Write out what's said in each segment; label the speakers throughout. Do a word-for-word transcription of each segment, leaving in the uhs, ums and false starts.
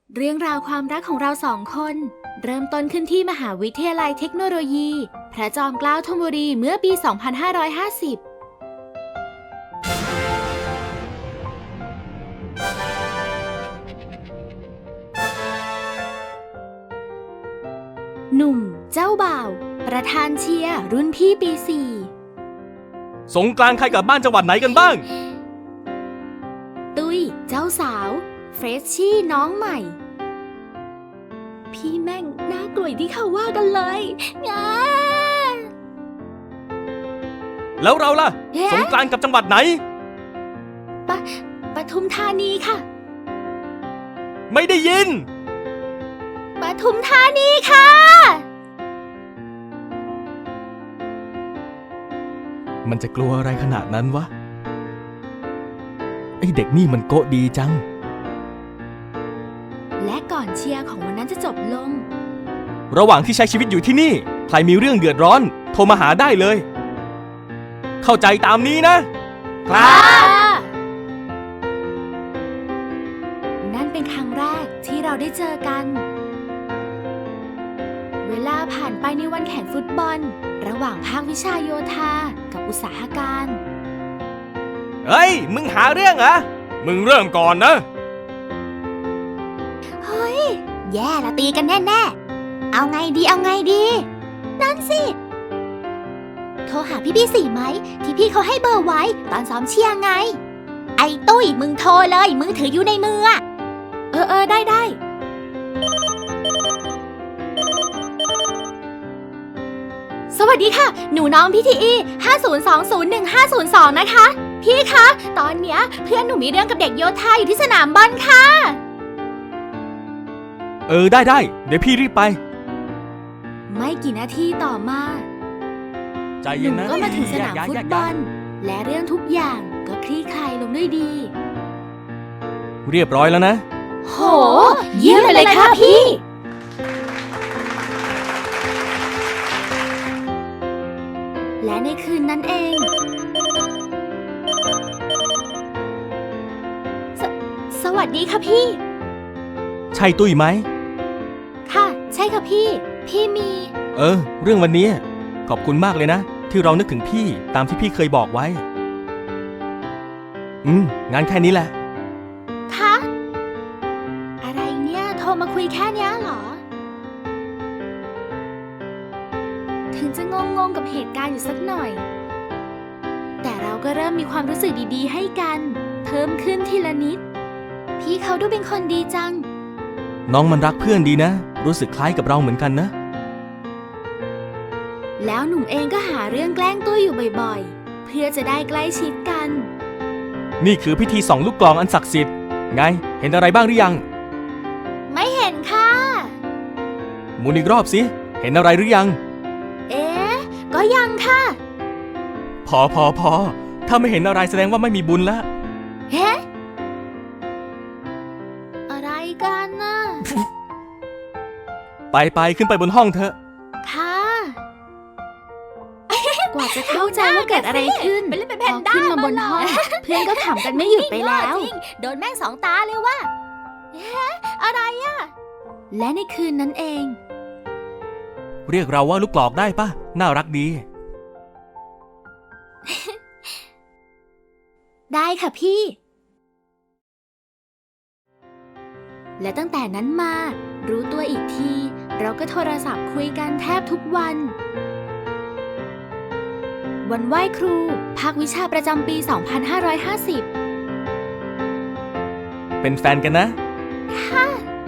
Speaker 1: เรื่องราวความรักของเราสองคนเริ่มต้นขึ้นที่มหาวิทยาลัยเทคโนโลยีพระจอมเกล้าธนบุรีเมื่อปี สองพันห้าร้อยห้าสิบ หนุ่มเจ้าบ่าวประธานเชียร์รุ่นพี่ปี สี่
Speaker 2: สงกรานต์ใครกลับบ้านจังหวัดไหนกันบ้าง
Speaker 1: ตุ้ยเจ้าสาวเฟรชชี่น้องใหม่พี่แม่งน่ากลัวที่เขาว่ากันเลยงา
Speaker 2: แล้วเราล่ะ
Speaker 1: เอ๊ะ
Speaker 2: สงกรานต์กับจังหวัดไหน
Speaker 1: ปะปทุมธานีค่ะ
Speaker 2: ไม่ได้ยิน
Speaker 1: ปทุมธานีค่ะ
Speaker 2: มันจะกลัวอะไรขนาดนั้นวะไอเด็กนี่มันโกะดีจัง
Speaker 1: และก่อนเชียร์ของวันนั้นจะจบลง
Speaker 2: ระหว่างที่ใช้ชีวิตอยู่ที่นี่ใครมีเรื่องเดือดร้อนโทรมาหาได้เลย เข้าใจตามนี้นะ ครับ
Speaker 1: นั่นเป็นครั้งแรกที่เราได้เจอกัน เวลาผ่านไปในวันแข่งฟุตบอลระหว่างภาควิชาโยธากับอุตสาหการ
Speaker 2: เฮ้ย มึงหาเรื่องเหรอ มึงเริ่มก่อนนะ
Speaker 1: เฮ้ยแย่ละตีกันแน่ๆเอาไงดีเอาไงดี นั่นสิโทรหาพี่พี่สี่ไหมที่พี่เขาให้เบอร์ไว้ตอนซ้อมเชียร์ไงไอ้ตุ้ยมึงโทรเลยมือถืออยู่ในมืออะเออเออได้ได้สวัสดีค่ะหนูน้องพี่ทีอีห้า ศูนย์ สอง ศูนย์ หนึ่ง ห้า ศูนย์ สองนะคะพี่คะตอนเนี้ยเพื่อนหนูมีเรื่องกับเด็กโยธาอยู่ที่สนามบอลค่ะ
Speaker 2: เออได้ได้เดี๋ยวพี่รีบไป
Speaker 1: ไม่กี่นาทีต่อมา
Speaker 2: ใจ
Speaker 1: ห
Speaker 2: เย็น
Speaker 1: นุ่ม
Speaker 2: นะ
Speaker 1: ก็มาถึงสนามฟุตบอลและเรื่องทุกอย่างก็คลี่คลายลงด้วยดี
Speaker 2: เรียบร้อยแล้วนะ
Speaker 1: โหเยี่ยมไปเลยค่ะพี่ และในคืนนั้นเองสสวัสดีค่ะพี่
Speaker 2: ใช่ตุ้ยไหม
Speaker 1: ค่ะ ใช่ค่ะพี่ พี่มี
Speaker 2: เออ เรื่องวันนี้ขอบคุณมากเลยนะ ที่เรานึกถึงพี่ตามที่พี่เคยบอกไว้ อืมงานแค่นี้แหละ
Speaker 1: คะอะไรเนี่ยโทรมาคุยแค่เนี้ยเหรอ ถึงจะงงงๆกับเหตุการณ์อยู่สักหน่อย แต่เราก็เริ่มมีความรู้สึกดีๆให้กัน เพิ่มขึ้นทีละนิด พี่เขาดูเป็นคนดีจัง
Speaker 2: น้องมันรักเพื่อนดีนะ รู้สึกคล้ายกับเราเหมือนกันนะ
Speaker 1: แล้วหนุ่มเองก็หาเรื่องแกล้งตุ้ยอยู่บ่อยๆ เพื่อจะได้ใกล้ชิดกัน
Speaker 2: นี่คือพิธีส่องลูกกลองอันศักดิ์สิทธิ์ไง เห็นอะไรบ้างหรือยัง
Speaker 1: ไม่เห็นค่ะ
Speaker 2: หมุนอีกรอบสิ เห็นอะไรหรือยัง
Speaker 1: เอ๊ะ ก็ยังค่ะ
Speaker 2: พอพอพอถ้าไม่เห็นอะไรแสดงว่าไม่มีบุญแล้ว
Speaker 1: เฮ้อะไรกันน่ะ
Speaker 2: ไปไปขึ้นไปบนห้องเถอะ
Speaker 1: ค่ะ กว่าจะเข้าใจว่าเกิดอะไรขึ้น
Speaker 3: ไปเล่นเป็น
Speaker 1: พ
Speaker 3: แพ
Speaker 1: อน
Speaker 3: ด้า
Speaker 1: ขึ้นมาบนห้อง เพื่อนก็ขำกันไม่หยุดไปแล้ว
Speaker 3: จริงโดนแม่งสองตาเลยว่ะ
Speaker 1: อะไรอะและในคืนนั้นเอง
Speaker 2: เรียกเราว่าลูกกรอกได้ปะน่ารักดี
Speaker 1: ได้ค่ะพี่ และตั้งแต่นั้นมา รู้ตัวอีกที เราก็โทรศัพท์คุยกันแทบทุกวัน วันไหว้ครูภาควิชาประจำปี สองพันห้าร้อยห้าสิบ
Speaker 2: เป็นแฟนกันนะ
Speaker 1: ค่ะ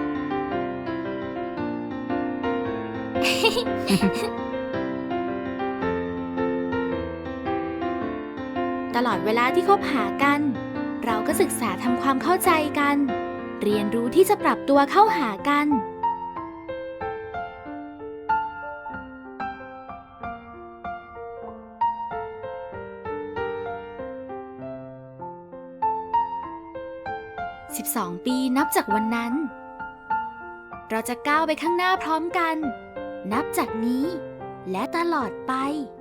Speaker 1: ตลอดเวลาที่คบหากัน เราก็ศึกษาทำความเข้าใจกัน เรียนรู้ที่จะปรับตัวเข้าหากัน สิบสอง ปีนับจากวันนั้น เราจะก้าวไปข้างหน้าพร้อมกัน นับจากนี้และตลอดไป